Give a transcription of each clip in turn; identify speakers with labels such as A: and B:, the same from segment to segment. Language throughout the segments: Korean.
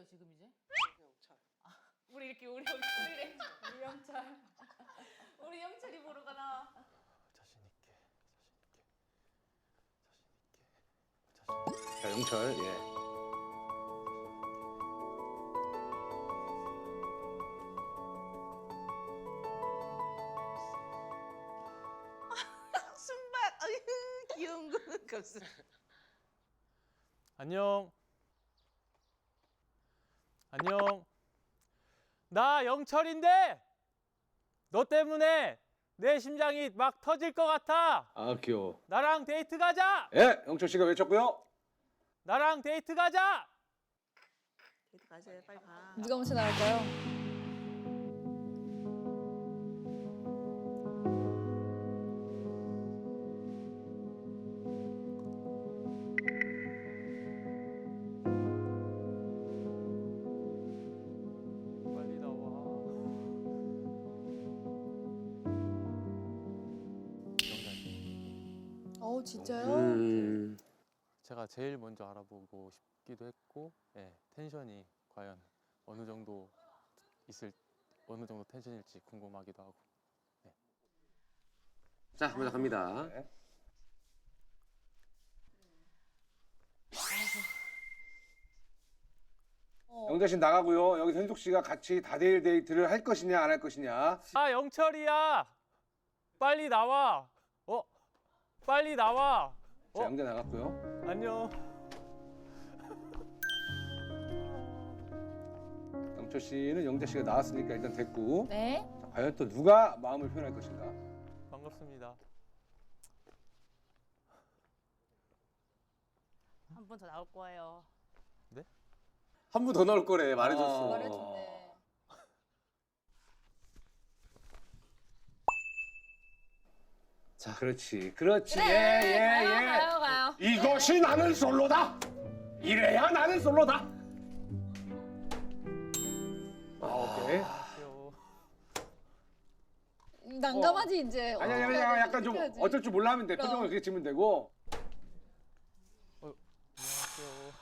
A: 누구예요 지금 이제?
B: 영철.
A: 우리 이렇게 우리 영철이래. 우리 영철. 우리 영철이 보러 가나?
C: 자신 있게, 자신 있게, 자신 있게.
D: 자, 영철, 예.
B: 순박. 어휴 귀여운 거. 감사.
C: 안녕. 안녕. 나 영철인데 너 때문에 내 심장이 막 터질 것 같아.
D: 아, 귀여워.
C: 나랑 데이트 가자.
D: 예, 영철 씨가 외쳤고요.
C: 나랑 데이트 가자.
B: 데이트 가세요. 빨리 가.
E: 누가 먼저 나갈까요?
C: 빨리 나와.
E: 진짜요?
C: 제가 제일 먼저 알아보고 싶기도 했고, 예, 텐션이 과연 어느 정도 어느 정도 텐션일지 궁금하기도 하고.
D: 자, 먼저 갑니다. 네. 영재 씨 나가고요. 여기 현숙 씨가 같이 다대일 데이트를 할 것이냐 안 할 것이냐.
C: 아, 영철이야. 빨리 나와. 빨리 나와.
D: 자, 영재 나갔고요.
C: 안녕.
D: 영철 씨는 영재 씨가 나왔으니까 일단 됐고.
E: 네.
D: 자, 과연 또 누가 마음을 표현할 것인가.
C: 반갑습니다.
A: 한 번 더 나올 거예요.
D: 한 분 더 나올 거래 말해줬어.
E: 말해줬네.
D: 자, 그렇지, 그렇지.
E: 그래,
D: 예, 예,
E: 가요,
D: 예.
E: 가요, 가요.
D: 이것이 나는 솔로다. 이래야 나는 솔로다. 오케이.
C: 귀여워.
E: 난감하지 이제.
D: 아니, 아니, 아니,
E: 어떻게
D: 약간 좀
E: 해야지?
D: 어쩔 줄 몰라 하면 돼.
E: 그럼.
D: 표정을 그렇게 지면 되고.
C: 안녕하세요.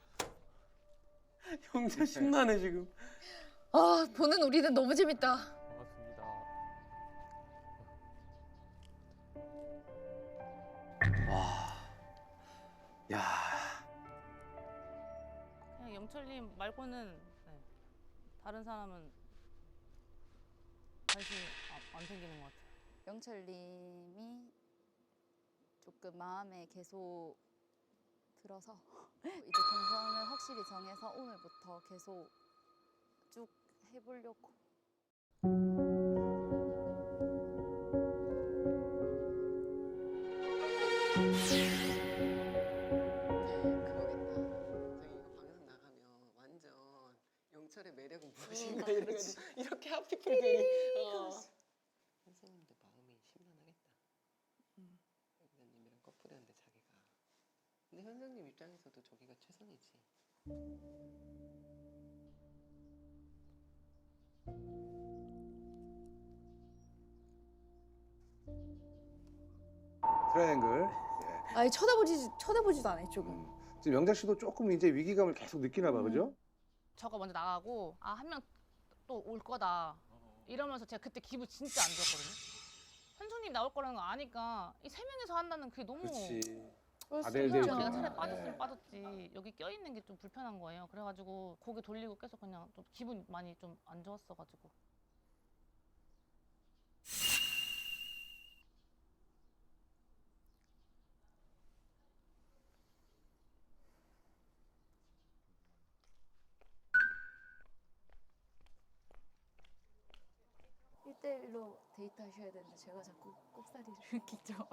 D: 형제 신나네 지금.
E: 아, 보는 우리는 너무 재밌다.
C: 반갑습니다.
D: 야,
A: 그냥 영철님 말고는 네. 다른 사람은 관심이 안 생기는 것 같아요.
F: 영철님이 조금 마음에 계속 들어서 이제 동선을 확실히 정해서 오늘부터 계속 쭉 해보려고.
B: 그거겠다. 저기 이거 방송 나가면 완전 영철의 매력은 무엇인가 이래가지고 이렇게 하피풀들이. 선생님도 마음이 심란하겠다. 현장님이랑 커플이었는데 자기가. 근데 현장님 입장에서도 저기가 최선이지.
D: 트라이앵글. 예.
E: 아니 쳐다보지도 않아 이쪽은.
D: 지금 영재 씨도 조금 이제 위기감을 계속 느끼나 봐, 그죠?
A: 저가 먼저 나가고 한 명 또 올 거다 이러면서 제가 그때 기분 진짜 안 좋았거든요. 현숙님 나올 거라는 거 아니까 이 세 명이서 한다는 그게 너무
D: 그렇지.
E: 그럴 수도
D: 다들
E: 있죠.
D: 데이트.
A: 내가 차라리 빠졌으면
D: 네.
A: 빠졌지 여기 껴있는 게 좀 불편한 거예요. 그래가지고 고개 돌리고 계속 그냥 좀 기분 많이 좀 안 좋았어가지고.
F: 일대일로 데이트 하셔야 되는데 제가 자꾸 꼽사리를 끼죠.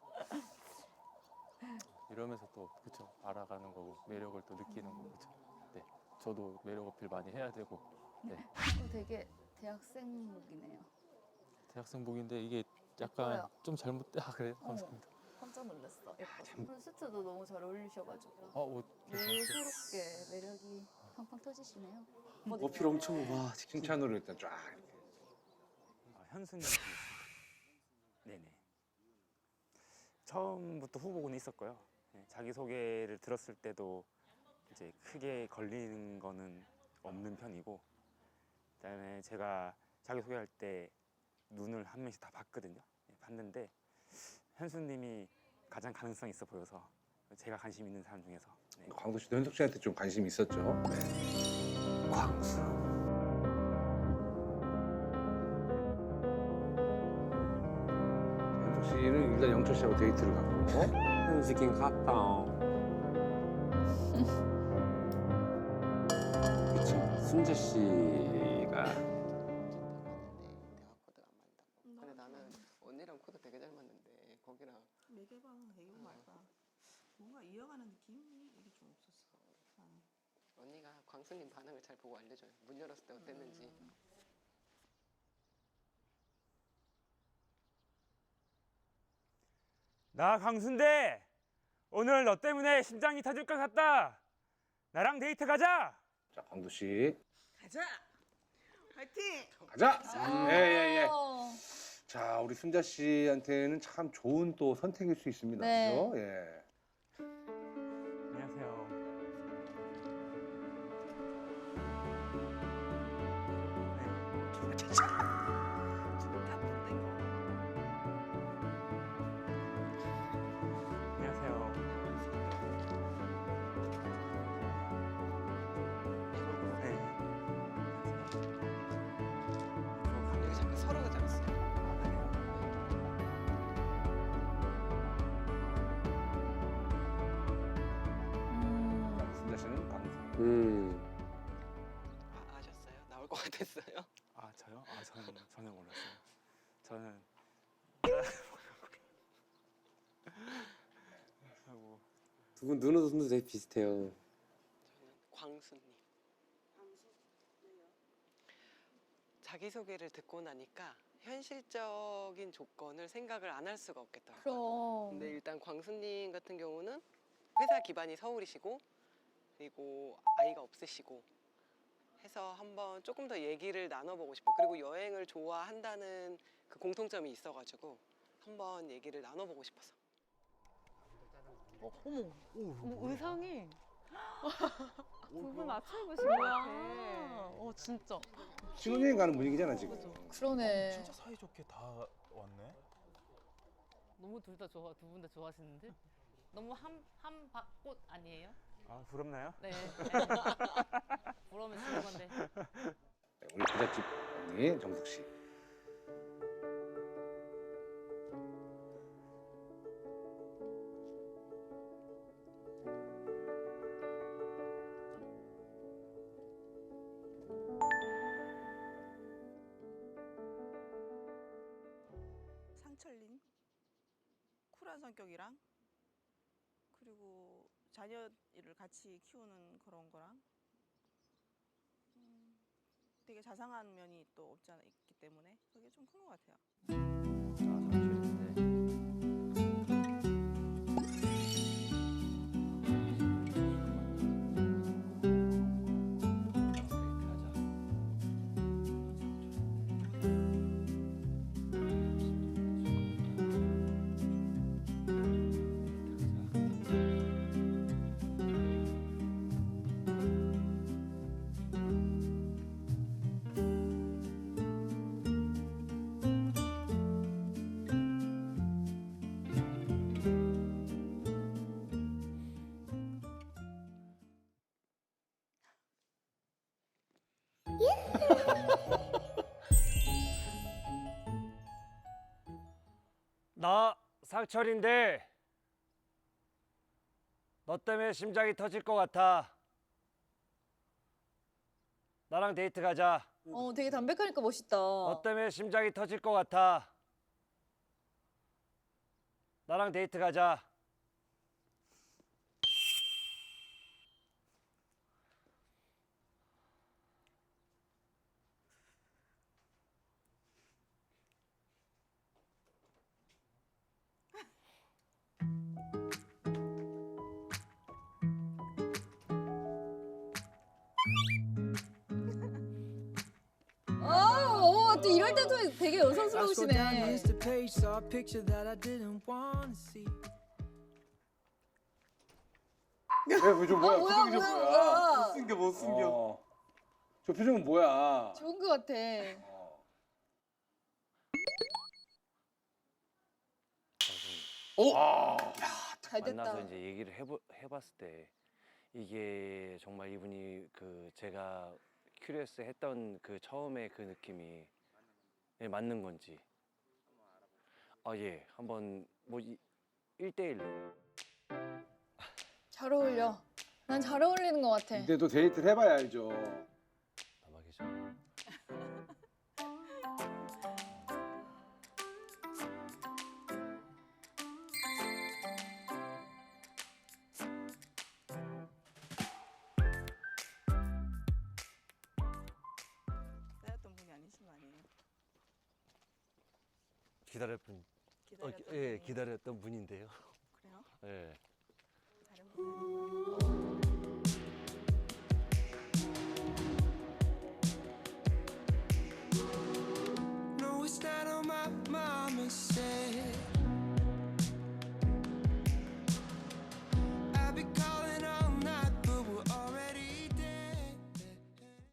C: 이러면서 또 그쵸 알아가는 거고 매력을 또 느끼는 거고 그쵸. 네. 저도 매력 어필 많이 해야 되고. 네.
F: 되게 대학생룩이네요.
C: 대학생복인데 이게 약간
F: 예뻐요.
C: 좀 잘못돼. 아 그래요? 감사합니다.
F: 깜짝 놀랐어. 예뻐. 수트도 너무 잘 어울리셔가지고
C: 옷 괜찮았어요.
F: 예스럽게 매력이 팡팡 터지시네요.
D: 어필 엄청 와. 칭찬으로 일단 쫙.
G: 현수님. 네네. 처음부터 후보군이 있었고요. 네, 자기 소개를 들었을 때도 이제 크게 걸리는 거는 없는 편이고, 그다음에 제가 자기소개할 때 눈을 한 명씩 다 봤거든요. 네, 봤는데 현수님이 가장 가능성이 있어 보여서 제가 관심 있는 사람 중에서. 네.
D: 광수 씨도 현숙 씨한테 좀 관심이 있었죠. 네.
B: 광수.
D: 현숙 씨는 일단 영철 씨하고 데이트를 갔고.
B: 현숙인 같다. 그치. 순재 씨가 대화 코드가 안 맞는다고. 근데 나는 언니랑 코드 되게 잘 맞는데 거기랑
H: 매개방 되게 말까 뭔가 이어가는 느낌이 이게 좀 없었어.
B: 언니가 광수님 반응을 잘 보고 알려줘요. 문 열었을 때 어땠는지.
G: 나 광수인데 오늘 너 때문에 심장이 터질 것 같다. 나랑 데이트 가자.
D: 자, 광수 씨.
H: 가자. 화이팅.
D: 가자. 예.
E: 어.
D: 자, 우리 순자 씨한테는 참 좋은 또 선택일 수 있습니다.
E: 네.
D: 그죠? 예.
G: 안녕하세요. 안녕하세요. 네.
B: 이거 자꾸 서로가 잘했어요.
D: 순자 씨는 광수.
B: 아셨어요? 나올 것 같았어요?
G: 아 저요? 아 저는 전혀 몰랐어요. 저는 하고
B: 두 분 눈도 되게 비슷해요. 저는 광수님. 자기소개를 듣고 나니까 현실적인 조건을 생각을 안 할 수가 없겠더라고요.
E: 그럼.
B: 근데 일단 광수님 같은 경우는 회사 기반이 서울이시고 그리고 아이가 없으시고 해서 한번 조금 더 얘기를 나눠보고 싶어요. 그리고 여행을 좋아한다는 그 공통점이 있어가지고 한번 얘기를 나눠보고 싶어서.
A: 의상이
F: 두분 맞춰 입으신 것 같아.
A: 진짜.
D: 신혼여행 가는 분위기잖아, 지금.
E: 그러네.
I: 진짜 사이좋게 다 왔네.
A: 너무 두 분 다 좋아하시는데? 너무 한밭꽃 아니에요?
G: 아 부럽나요?
A: 네. 부러우면 주는 건데.
D: 네, 우리 부잣집 언니 정숙 씨.
H: 상철님 쿨한 성격이랑 그리고 자녀를 같이 키우는 그런 거랑 되게 자상한 면이 또 없지 않아 있기 때문에 그게 좀 큰 것 같아요.
J: 나 상철인데 너 때문에 심장이 터질 것 같아. 나랑 데이트 가자.
E: 되게 담백하니까 멋있다.
J: 너 때문에 심장이 터질 것 같아. 나랑 데이트 가자.
E: 또 이럴 때도 되게 여성스러우시네.
D: 왜, 좀 뭐야?
E: 뭐야,
D: 표정이 좀
E: 뭐야,
D: 뭐야?
E: 뭐야.
B: 숨겨 못 숨겨.
D: 저 표정은 뭐야?
E: 좋은 것 같아.
D: 아,
E: 잘 됐다.
J: 만나서 이제 얘기를 해봤을 때 이게 정말 이분이 그 제가 큐리어스 했던 그 처음에 그 느낌이 예, 맞는 건지. 아, 예. 한번 뭐 1대1로.
E: 잘 어울려. 난 잘 어울리는 것 같아.
D: 근데 또 데이트를 해봐야 알죠.
J: 담아계죠.
H: 기다렸던 분이 아니신 거 아니에요?
J: 기다렸던 분인데요.
H: 그래요?
J: 예.
H: 다른 분이 아니고.